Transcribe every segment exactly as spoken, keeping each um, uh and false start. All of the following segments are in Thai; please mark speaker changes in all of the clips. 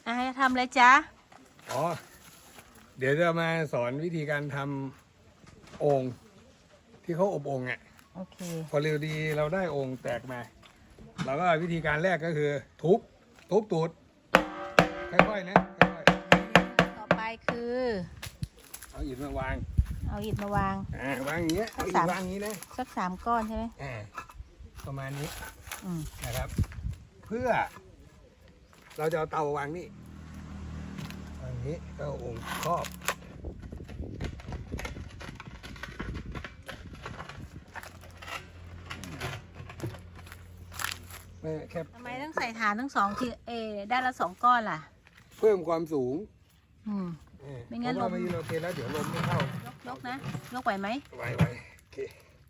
Speaker 1: อ่ะให้ทำอะไรจ๊ะ
Speaker 2: อ๋อเดี๋ยวจะมาสอนวิธีการทำโอ่งที่เขาอบโอ่งอ่ะ
Speaker 1: โอเค
Speaker 2: พอเร็วดีเราได้โอ่งแตกมาเราก็วิธีการแรกก็คือทุบทุบตูดค่อยๆนะค่อย
Speaker 1: ๆต่อไปคือ
Speaker 2: ๆเอาอิฐมาวาง
Speaker 1: เอาอิฐมาวาง
Speaker 2: อ่าวางอย่างเงี้ยเอาอิฐวางอย่างนี้นะ
Speaker 1: สักสามก้อนใช่ไหม
Speaker 2: อ่าประมาณนี้
Speaker 1: อืม
Speaker 2: นะครับเพื่อเราจะเอาเตาวางนี่วางนี้ก็เอาโอ่งครอบไม่แค่
Speaker 1: ทำไมต้องใส่ฐานทั้งสองทีเอได้ละสองก้อนล่ะ
Speaker 2: เพิ่มความสูง
Speaker 1: อืม
Speaker 2: เออ
Speaker 1: ไม่งั้น
Speaker 2: เพราะว่าไม่โอเคแล้วเดี๋ยวลมไม่เข้าย
Speaker 1: กยกนะยกไหวไหม
Speaker 2: ไหวไหวโอเค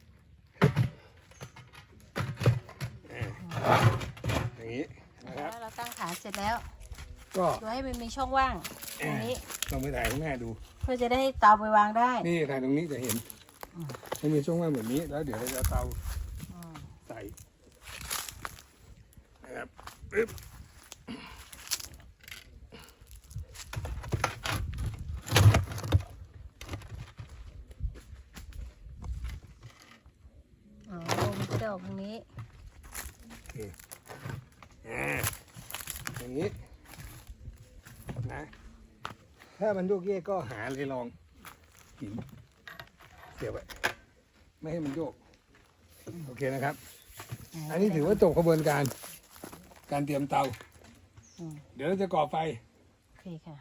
Speaker 2: เอออย่างนี้นะครับ
Speaker 1: แล้วเราตั้งฐานเสร็จแล้ว
Speaker 2: ก็
Speaker 1: ดูให้มันมีช่องว่างตรงนี้
Speaker 2: ลองไปถ่ายข้างหน้าดู
Speaker 1: เพื่อจะได้เตาไปวางได้
Speaker 2: นี่ถ่ายตรงนี้จะเห็นให้มีช่องว่างแบบนี้แล้วเดี๋ยวเราจะเอาเตาใส่นะครับปึ๊บ
Speaker 1: อ๋อมันจะออกตรงนี้
Speaker 2: โอเคอ่าอย่างนี้นะถ้ามันโยกเยกก็หาเลยลองหินเสียบไว้ไม่ให้มันโยกโอเคนะครับอันนี้ถือว่าจบกระบวนการการเตรียมเตาเดี๋ยวเราจะก่อไฟ
Speaker 1: โอเคค่ะ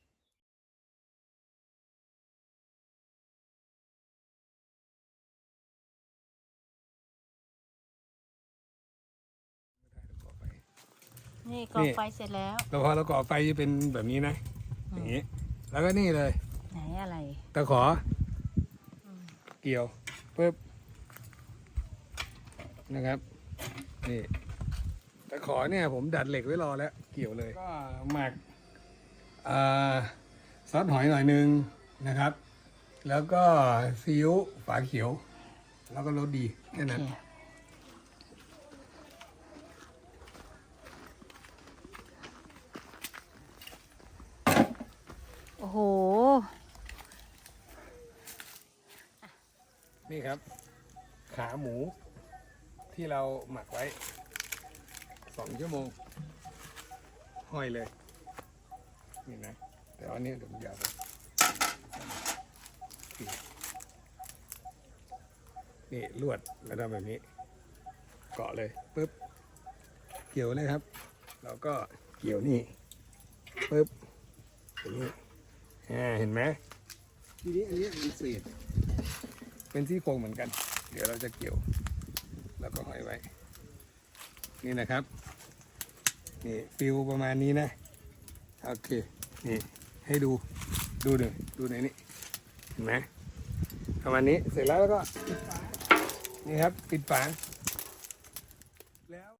Speaker 1: นี่ก่อไฟเสร็จแล้ว
Speaker 2: เราพอเราก่อไฟจะเป็นแบบนี้นะอย่างนี้แล้วก็นี่เลย
Speaker 1: ไหนอะไร
Speaker 2: ตะขอเกี่ยวปึ๊บนะครับนี่ตะขอเนี่ยผมดัดเหล็กไว้รอแล้วเกี่ยวเลยก็หมักซอสหอยหน่อยนึงนะครับแล้วก็ซีอิ๊วฝาเขียวแล้วก็รสดีแค่นั้น
Speaker 1: โอ้โห
Speaker 2: นี่ครับขาหมูที่เราหมักไว้สองชั่วโมงห้อยเลยนี่นะแต่ว่านี้เดี๋ยวมันยาวไปนี่ลวดแล้วทำแบบนี้เกาะเลยปึ๊บเกี่ยวเลยครับแล้วก็เกี่ยวนี่ปึ๊บอย่างนี้อ่าเห็นไหมทีนี้อันนี้มันเศษเป็นซี่โครงเหมือนกันเดี๋ยวเราจะเกี่ยวแล้วก็ห้อยไว้นี่นะครับนี่ฟิวประมาณนี้นะโอเคนี่ให้ดูดูหนึ่งดูในนี้เห็นไหมประมาณนี้เสร็จแล้วแล้วก็ปิดฝานี่ครับปิดฝาแล้ว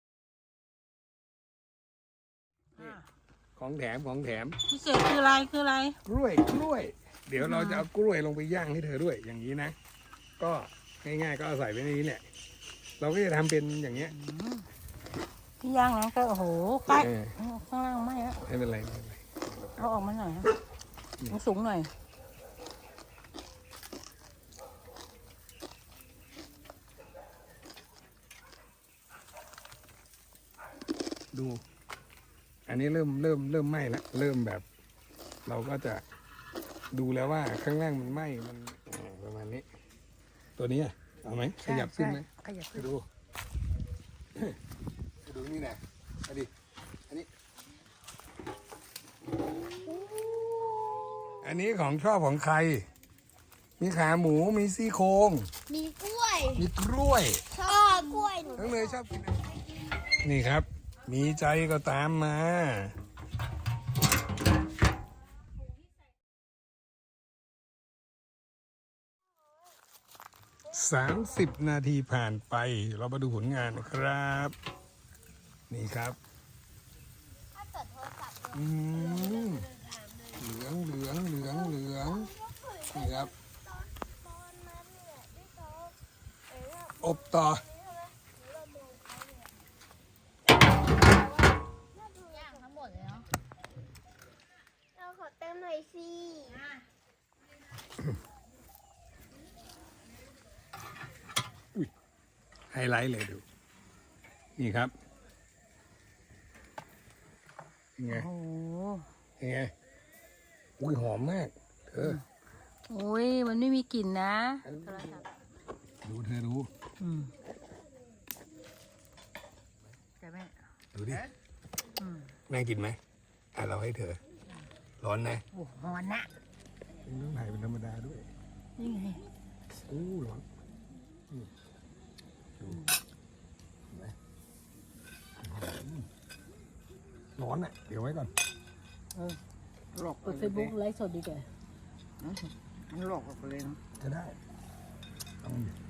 Speaker 2: ของแถมของแถม
Speaker 1: พิเศษคืออะไรคืออะไร
Speaker 2: กล้วยกล้วยเดี๋ยวเราจะเอากล้วยลงไปย่างให้เธอด้วยอย่างนี้นะก็ง่ายๆก็เอาใส่ไว้ในนี้แหละเราก็จะทำเป็นอย่างเงี้ย
Speaker 1: ที่ย่างนะก็โอ้โหใกล้ข้างล่างไม่แล้ว
Speaker 2: ไม่เป็นไรไม่เป็นไร
Speaker 1: เอาออกมาหน่อยนะมันสูงหน่อย
Speaker 2: ดูอันนี้เริ่มเริ่มเริ่มไหม้แล้วเริ่มแบบ เราก็จะดูแล้วว่าข้างล่างมันไหม้มันประมาณนี้ตัวนี้เอาไหมขยับขึ้นไหม
Speaker 1: ขยับ
Speaker 2: ขึ้นดูดูนี่นะเอาดิอันนี้อันนี้ของชอบของใครมีขาหมูมีซี่โครง
Speaker 3: มีกล้วย
Speaker 2: มีกล้วย
Speaker 3: ชอบกล้วยหนู
Speaker 2: ทั้งเลยชอบกินนี่ครับมีใจก็ตามมาสามสิบนาทีผ่านไปเรามาดูผลงานนะครับนี่ครับอืมเหลืองเหลืองเหลืองเหลืองนี่ครับอบต่อย่าง
Speaker 3: ทั้งหมดเลยเนาะสิ
Speaker 2: ไฮไลท์เลยดู นี่ครับยังไง
Speaker 1: โอ้โห
Speaker 2: ยังไงอุ้ยหอมมากเธอ
Speaker 1: โอ้ยมันไม่มีกลิ่นนะโทรศัพท์
Speaker 2: ดูเธอดู
Speaker 1: อืมแต่แม่
Speaker 2: ดูดิ
Speaker 1: อืม
Speaker 2: แม่กินไหมอ่ะเราให้เธอ ร้อนนะ
Speaker 1: โอ้โหร้อนนะ
Speaker 2: ต้องถ่ายเป็นธรรมดาด้วย
Speaker 1: นี่ไง
Speaker 2: อู้ร้อนนี่ดูเห็นไหมอืมร้อนอ่ะ เดี๋ยวไว้ก่อน
Speaker 1: เออหลอกเปิดเฟซบุ๊กไลฟ์สดดีกว่า
Speaker 4: มันหลอกออกไปเลยเนาะ
Speaker 2: จะได้เอาดิ